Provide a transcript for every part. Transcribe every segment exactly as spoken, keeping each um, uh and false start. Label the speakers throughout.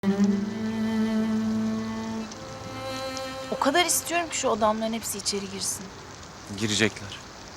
Speaker 1: O kadar istiyorum ki şu adamların hepsi içeri girsin.
Speaker 2: Girecekler.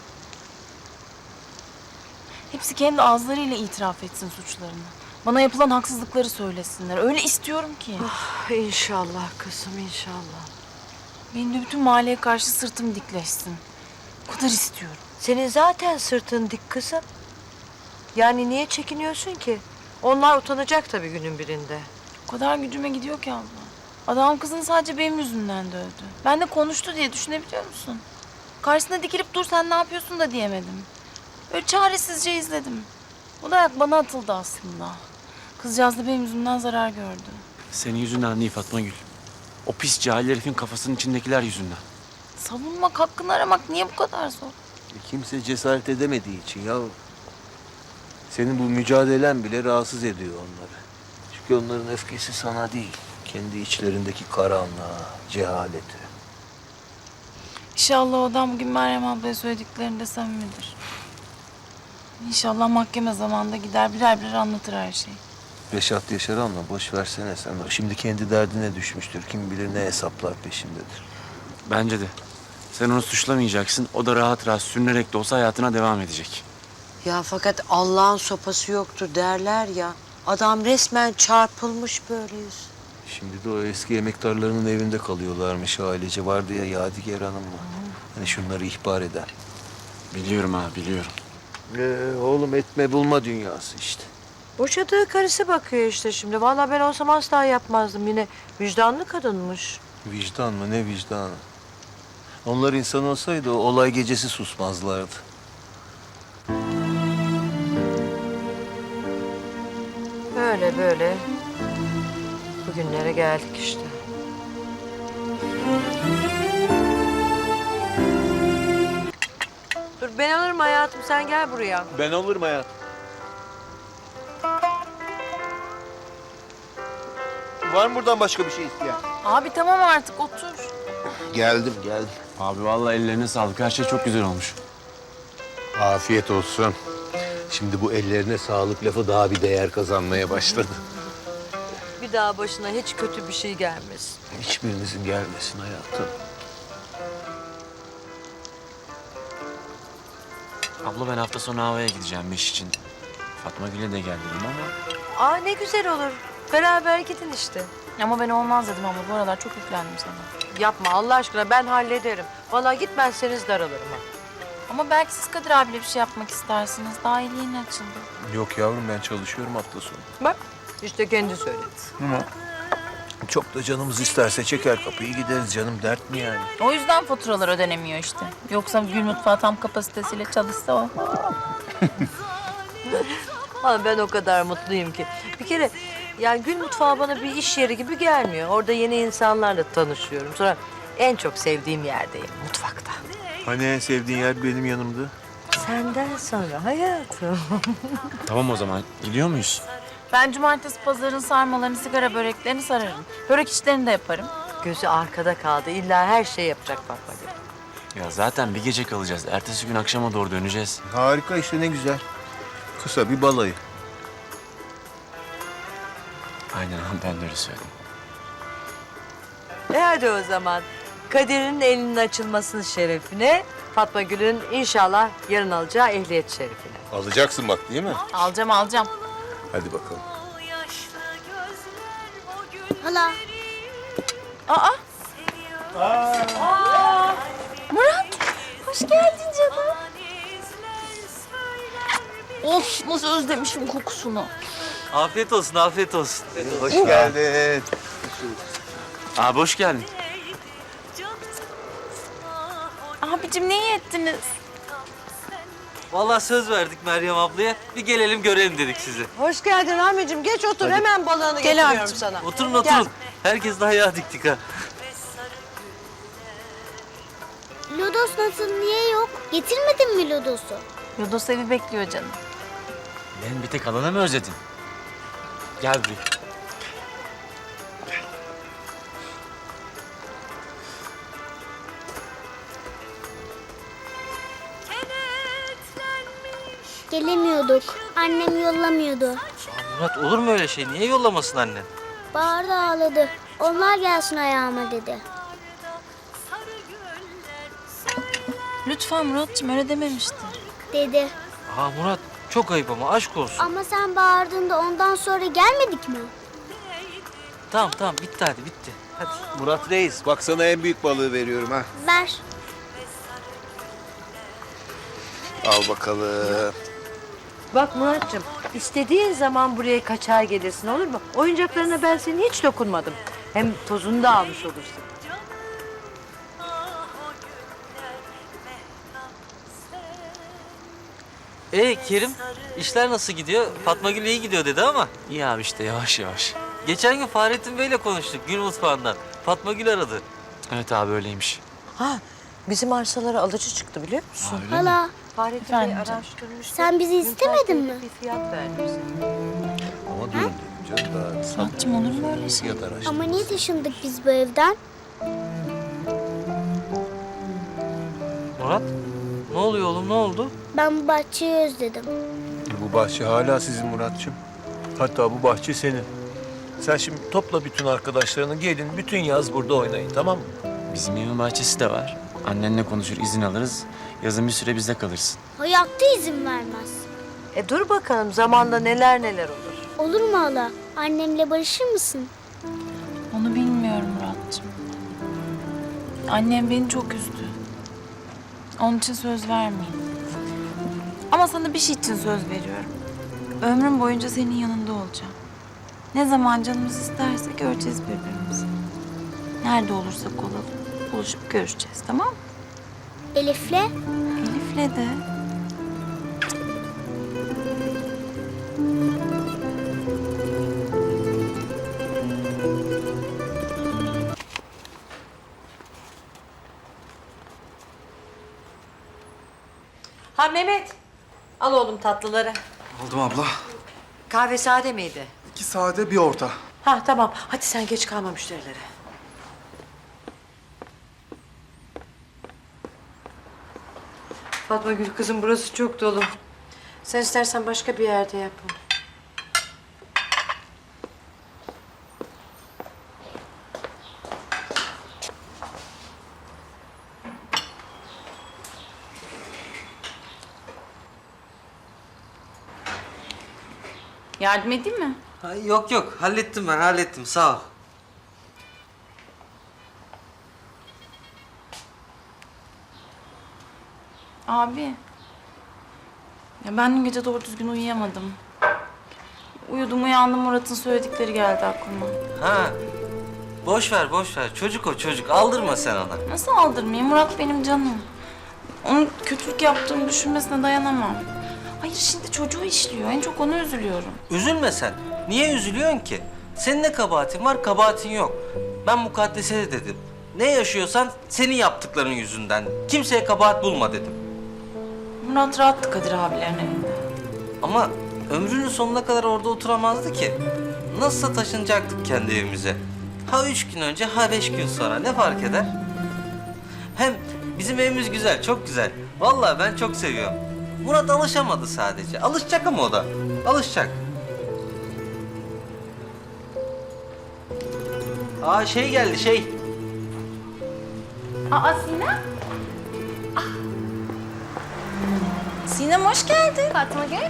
Speaker 1: Hepsi kendi ağızlarıyla itiraf etsin suçlarını. Bana yapılan haksızlıkları söylesinler. Öyle istiyorum ki.
Speaker 3: İnşallah kızım, inşallah.
Speaker 1: Benim de bütün mahalleye karşı sırtım dikleşsin. O kadar istiyorum.
Speaker 3: Senin zaten sırtın dik kızım. Yani niye çekiniyorsun ki? Onlar utanacak tabii günün birinde.
Speaker 1: O kadar gücüme gidiyor ki abla. Adam kızını sadece benim yüzümden dövdü. Ben de konuştu diye düşünebiliyor musun? Karşısına dikilip dur sen ne yapıyorsun da diyemedim. Böyle çaresizce izledim. O dayak bana atıldı aslında. Kızcağız da benim yüzümden zarar gördü.
Speaker 2: Senin yüzünden değil Fatma Gül. O pis cahil herifin kafasının içindekiler yüzünden.
Speaker 1: Savunmak, hakkını aramak niye bu kadar zor?
Speaker 4: E, Kimse cesaret edemediği için ya. Senin bu mücadelen bile rahatsız ediyor onları. Çünkü onların öfkesi sana değil. Kendi içlerindeki karanlığa, cehaleti.
Speaker 1: İnşallah o adam bugün Meryem ablaya söylediklerinde samimidir. İnşallah mahkeme zamanında gider birer birer anlatır her şeyi.
Speaker 4: Reşat Yaşaran'la boş versene sen. O şimdi kendi derdine düşmüştür. Kim bilir ne hesaplar peşindedir.
Speaker 2: Bence de. Sen onu suçlamayacaksın. O da rahat rahat sürünerek de olsa hayatına devam edecek.
Speaker 3: Ya fakat Allah'ın sopası yoktur derler ya. Adam resmen çarpılmış böyle yüz.
Speaker 4: Şimdi de o eski emektarlarının evinde kalıyorlarmış ailece. Vardı ya Yadigar Hanım'la. Hani şunları ihbar eden.
Speaker 2: Biliyorum ha, biliyorum.
Speaker 4: Ee, oğlum etme bulma dünyası işte.
Speaker 3: Boşadığı karısı bakıyor işte şimdi. Vallahi ben olsam asla yapmazdım. Yine vicdanlı kadınmış.
Speaker 4: Vicdan mı ne vicdanı? Onlar insan olsaydı o olay gecesi susmazlardı.
Speaker 3: Böyle böyle bugünlere geldik işte. Dur ben alırım hayatım, sen gel buraya.
Speaker 4: Ben olurum hayatım. Var mı buradan başka bir şey isteyen?
Speaker 1: Abi tamam artık otur.
Speaker 4: Geldim, geldim.
Speaker 2: Abi vallahi ellerine sağlık. Her şey çok güzel olmuş.
Speaker 4: Afiyet olsun. Şimdi bu ellerine sağlık lafı daha bir değer kazanmaya başladı.
Speaker 3: Bir daha başına hiç kötü bir şey gelmesin.
Speaker 4: Hiçbirinizin gelmesin hayatım.
Speaker 2: Abla ben hafta sonu havaya gideceğim iş için. Fatma Gül'e de gel dedim ama...
Speaker 3: Aa ne güzel olur. Beraber gidin işte.
Speaker 1: Ama ben olmaz dedim abla. Bu aralar çok yüklendim sana.
Speaker 3: Yapma Allah aşkına, ben hallederim. Vallahi gitmezseniz daralırım ha.
Speaker 1: Ama belki siz Kadir abiyle bir şey yapmak istersiniz. Daha iyi yeni açıldı.
Speaker 4: Yok yavrum ben çalışıyorum hafta sonu.
Speaker 3: Bak işte kendi söyledi.
Speaker 4: Ama çok da canımız isterse çeker kapıyı gideriz canım. Dert mi yani?
Speaker 1: O yüzden faturalar ödenemiyor işte. Yoksa Gül Mutfağı tam kapasitesiyle çalışsa o.
Speaker 3: Ama ben o kadar mutluyum ki. Bir kere yani Gül Mutfağı bana bir iş yeri gibi gelmiyor. Orada yeni insanlarla tanışıyorum. Sonra en çok sevdiğim yerdeyim, mutfakta.
Speaker 4: Hani en sevdiğin yer benim yanımda.
Speaker 3: Senden sonra hayatım.
Speaker 2: Tamam o zaman. Gidiyor muyuz?
Speaker 1: Ben cumartesi pazarın sarmalarını, sigara böreklerini sararım. Börek işlerini de yaparım.
Speaker 3: Gözü arkada kaldı. İlla her şey yapacak Fatma Gül.
Speaker 2: Ya zaten bir gece kalacağız. Ertesi gün akşama doğru döneceğiz.
Speaker 4: Harika işte ne güzel. Kısa bir balayı.
Speaker 2: Aynen ben de öyle söyledim.
Speaker 3: E hadi o zaman. Kadir'in elinin açılmasının şerefine, Fatma Gül'ün inşallah yarın alacağı ehliyet şerefine.
Speaker 4: Alacaksın bak değil mi?
Speaker 1: Alacağım alacağım.
Speaker 4: Hadi bakalım.
Speaker 5: Hala.
Speaker 1: Aa! Aa! Murat! Hoş geldin canım. Of nasıl özlemişim kokusunu.
Speaker 6: Afiyet olsun, afiyet olsun.
Speaker 4: Hoş geldin.
Speaker 2: Abi hoş geldin.
Speaker 1: Abicim ne iyi ettiniz?
Speaker 6: Vallahi söz verdik Meryem ablaya. Bir gelelim görelim dedik sizi.
Speaker 3: Hoş geldin Ahmetciğim. Geç otur. Hemen balığını
Speaker 1: Gel
Speaker 3: getiriyorum
Speaker 1: abicim.
Speaker 3: sana.
Speaker 6: Oturun oturun. Herkes de ayağa diktik ha.
Speaker 5: Lodos nasıl, niye yok? Getirmedin mi Lodos'u?
Speaker 1: Yodos evi bekliyor canım.
Speaker 2: Ben bir tek alana mı özledin? Gel buraya.
Speaker 5: Gelemiyorduk. Annem yollamıyordu.
Speaker 6: Murat olur mu öyle şey? Niye yollamasın annen?
Speaker 5: Bağırdı ağladı. Onlar gelsin ayağıma dedi.
Speaker 1: Lütfen Murat'cığım öyle dememiştir.
Speaker 5: Dedi.
Speaker 6: Aa Murat çok ayıp ama aşk olsun.
Speaker 5: Ama sen bağırdığında ondan sonra gelmedik mi?
Speaker 6: Tamam tamam bitti hadi bitti. Hadi.
Speaker 4: Murat Reis, bak sana en büyük balığı veriyorum ha.
Speaker 5: Ver.
Speaker 4: Al bakalım.
Speaker 3: Bak Muratcığım, istediğin zaman buraya kaçar gelirsin, olur mu? Oyuncaklarına ben senin hiç dokunmadım. Hem tozunu da almış olursun.
Speaker 6: Ee Kerim işler nasıl gidiyor? Fatma Gül iyi gidiyor dedi ama.
Speaker 2: İyi abi işte yavaş yavaş.
Speaker 6: Geçen gün Fahrettin Bey'le konuştuk Gül Mutfağı'ndan. Fatma Gül aradı.
Speaker 2: Evet abi öyleymiş.
Speaker 3: Ha, bizim arsalara alıcı çıktı biliyor musun?
Speaker 5: Hala
Speaker 3: Fahrettin
Speaker 1: Efendim
Speaker 3: Bey
Speaker 1: canım?
Speaker 3: araştırmış.
Speaker 5: sen bizi istemedin mi?
Speaker 3: Bir fiyat verdi bize.
Speaker 4: Ama dur dedim canım daha
Speaker 1: Murat'cığım olur mu öyle şey?
Speaker 4: fiyat araştır.
Speaker 5: Ama niye taşındık biz bu evden?
Speaker 6: Murat ne oluyor oğlum ne oldu?
Speaker 5: Ben bu bahçeyi özledim.
Speaker 4: Bu bahçe hala sizin Muratçım. Hatta bu bahçe senin. Sen şimdi topla bütün arkadaşlarını, gelin bütün yaz burada oynayın, tamam mı?
Speaker 2: Bizim evin bahçesi de var. Annenle konuşur, izin alırız. Yazın bir süre bizde kalırsın.
Speaker 5: Hayatta izin vermez.
Speaker 3: E dur bakalım zamanla neler neler olur.
Speaker 5: Olur mu hala? Annemle barışır mısın?
Speaker 1: Onu bilmiyorum Murat'cığım. Annem beni çok üzdü. Onun için söz vermeyeyim. Ama sana bir şey için söz veriyorum. Ömrüm boyunca senin yanında olacağım. Ne zaman canımız isterse göreceğiz birbirimizi. Nerede olursak olalım buluşup görüşeceğiz, tamam mı?
Speaker 5: Elif'le?
Speaker 1: Elif'le de.
Speaker 3: Ha Mehmet, al oğlum tatlıları.
Speaker 7: Aldım abla.
Speaker 3: Kahve sade miydi?
Speaker 7: İki sade bir orta.
Speaker 3: Ha tamam, hadi sen geç kalma müşterilere. Fatma Gül kızım burası çok dolu. Sen istersen başka bir yerde yap bunu.
Speaker 1: Yardım edeyim mi?
Speaker 6: Ha, yok yok hallettim ben hallettim sağ ol.
Speaker 1: Abi. Ya ben dün gece doğru düzgün uyuyamadım. Uyudum uyandım Murat'ın söyledikleri geldi aklıma.
Speaker 6: Ha boş ver boş ver çocuk o çocuk aldırma sen ona.
Speaker 1: Nasıl aldırmayayım? Murat benim canım. Onun kötülük yaptığımı düşünmesine dayanamam. Hayır şimdi çocuğu işliyor. En çok ona üzülüyorum.
Speaker 6: Üzülme sen. Niye üzülüyorsun ki? Senin ne kabahatin var, kabahatin yok. Ben mukaddese de dedim. Ne yaşıyorsan senin yaptıkların yüzünden. Kimseye kabahat bulma dedim.
Speaker 1: Murat rahattı Kadir abilerin evinde.
Speaker 6: Ama ömrünün sonuna kadar orada oturamazdı ki. Nasılsa taşınacaktık kendi evimize. Ha üç gün önce, ha beş gün sonra. Ne fark eder? Hem bizim evimiz güzel, çok güzel. Vallahi ben çok seviyorum. Murat alışamadı sadece. Alışacak ama o da. Alışacak. Aa şey geldi şey.
Speaker 1: Aa Sinem. Ah. Sinem hoş geldin.
Speaker 8: Fatma Gül,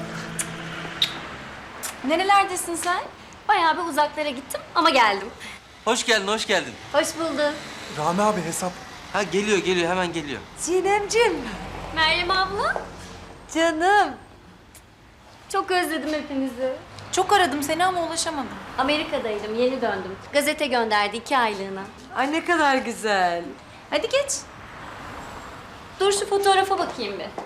Speaker 1: Nerelerdesin sen?
Speaker 8: bayağı bir uzaklara gittim ama geldim.
Speaker 6: Hoş geldin, hoş geldin.
Speaker 8: Hoş bulduk.
Speaker 7: Rami abi hesap.
Speaker 6: Ha geliyor, geliyor. Hemen geliyor.
Speaker 3: Sinemcim,
Speaker 8: Meryem abla,
Speaker 3: canım.
Speaker 8: çok özledim hepinizi.
Speaker 1: Çok aradım seni ama ulaşamadım.
Speaker 8: Amerika'daydım, yeni döndüm. Gazete gönderdi iki aylığına.
Speaker 3: Ay ne kadar güzel.
Speaker 8: Hadi geç. Dur şu fotoğrafa bakayım bir.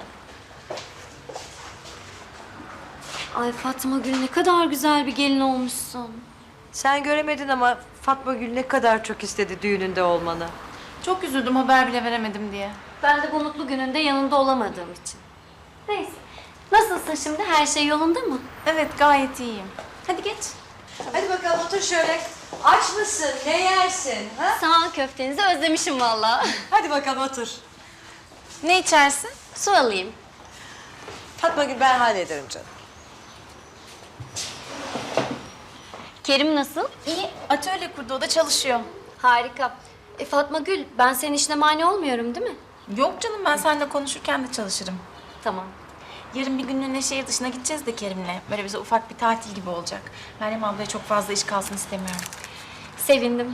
Speaker 8: Ay Fatma Gül ne kadar güzel bir gelin olmuşsun.
Speaker 3: Sen göremedin ama Fatma Gül ne kadar çok istedi düğününde olmanı.
Speaker 1: Çok üzüldüm haber bile veremedim diye.
Speaker 8: Ben de bu mutlu gününde yanında olamadığım için. Neyse. Nasılsın şimdi? Her şey yolunda mı?
Speaker 1: Evet gayet iyiyim.
Speaker 8: Hadi geç.
Speaker 3: Hadi bakalım otur şöyle. Aç mısın? Ne yersin? Ha?
Speaker 8: Sağ ol, köftenizi özlemişim vallahi.
Speaker 3: Hadi bakalım otur.
Speaker 1: Ne içersin?
Speaker 8: Su alayım.
Speaker 3: Fatma Gül ben hallederim canım.
Speaker 8: Kerim nasıl?
Speaker 1: İyi, atölye kurdu, o da çalışıyor.
Speaker 8: Harika. E Fatma Gül, ben senin işine mani olmuyorum değil mi?
Speaker 1: Yok canım, ben seninle konuşurken de çalışırım.
Speaker 8: Tamam.
Speaker 1: Yarın bir günlüğüne şehir dışına gideceğiz de Kerim'le. Böyle bize ufak bir tatil gibi olacak. Meryem ablaya çok fazla iş kalsın istemiyorum.
Speaker 8: Sevindim.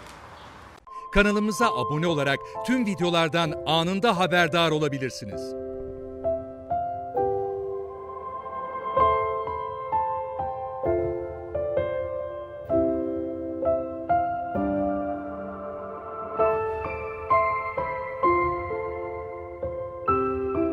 Speaker 9: Kanalımıza abone olarak tüm videolardan anında haberdar olabilirsiniz.